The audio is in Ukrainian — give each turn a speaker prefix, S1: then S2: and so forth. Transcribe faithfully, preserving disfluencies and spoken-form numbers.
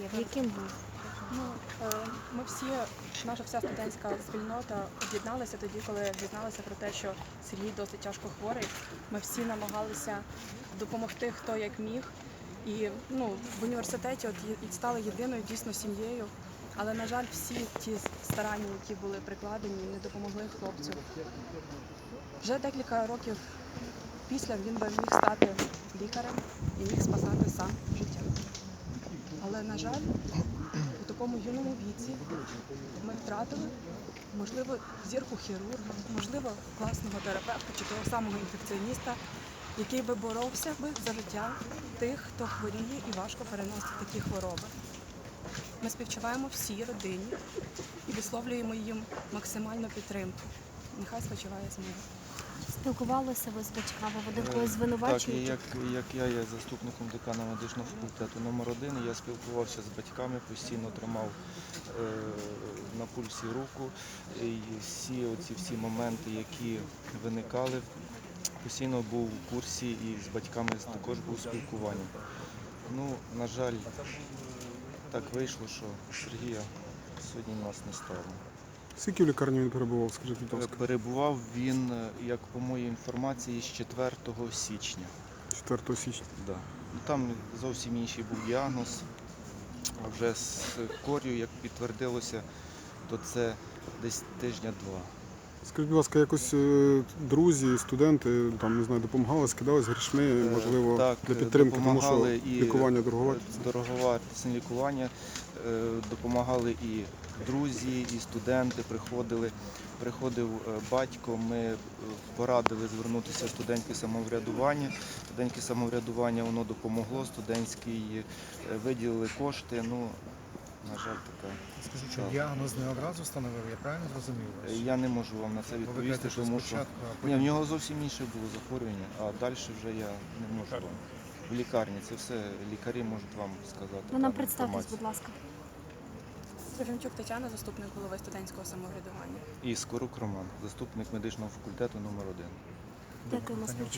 S1: Яким був?
S2: Ну, е, ми всі, наша вся студентська спільнота об'єдналася тоді, коли дізналися про те, що Сергій досить тяжко хворий. Ми всі намагалися допомогти, хто як міг. І ну, в університеті от є- і стали єдиною дійсно сім'єю. Але, на жаль, всі ті старання, які були прикладені, не допомогли хлопцю. Вже декілька років після він би міг стати лікарем і міг спасати сам життя. Але, на жаль, у такому юному віці ми втратили, можливо, зірку хірурга, можливо, класного терапевта чи того самого інфекціоніста, який би боровся би за життя тих, хто хворіє і важко переносить такі хвороби. Ми співчуваємо всій родині і висловлюємо їм максимальну підтримку. Нехай спочиває з миром.
S1: Спілкувалися ви з батьками, вони когось
S3: Так, і
S1: звинувачують?
S3: як, як я є заступником декана медичного факультету номер один, я спілкувався з батьками, постійно тримав е, на пульсі руку. І всі оці всі моменти, які виникали, постійно був у курсі і з батьками також був спілкування. Ну, на жаль, так вийшло, що Сергія сьогодні в нас не стало.
S4: Скільки в лікарні він перебував, скажіть, будь ласка?
S3: Перебував він, як по моїй інформації, з четвертого січня.
S4: четвертого січня.
S3: Да. Ну, там зовсім інший був діагноз, а вже з кор'ю, як підтвердилося, то це десь тижня-два.
S4: Скажіть, будь ласка, якось е, друзі, студенти там, не знаю, допомагали, скидались грішми, можливо,
S3: Так,
S4: для підтримки, тому що
S3: допомагали і
S4: лікування дороговартісне.
S3: Дороговартісне лікування, е, допомагали і друзі, і студенти приходили. Приходив е, батько, ми е, порадили звернутися в студентське самоврядування. Студентське самоврядування воно допомогло, студентський е, виділили кошти. Ну, на жаль, така.
S5: Скажіть, що діагноз не одразу встановив, я правильно зрозумів вас?
S3: Я не можу вам на це
S5: Бо ви
S3: відповісти,
S5: кажете, що
S3: тому що
S5: спочатку, а
S3: ні, в
S5: потім...
S3: нього зовсім інше було захворювання, а далі вже я не можу вам. В лікарні це все лікарі можуть вам сказати.
S1: Ви нам
S3: дану
S1: представтесь,
S3: інформацію.
S1: будь ласка.
S2: Сергійчук Тетяна, заступник голови студентського самоврядування.
S3: І Скорук Роман, заступник медичного факультету номер один.
S1: Дякуємо, співчуваємо.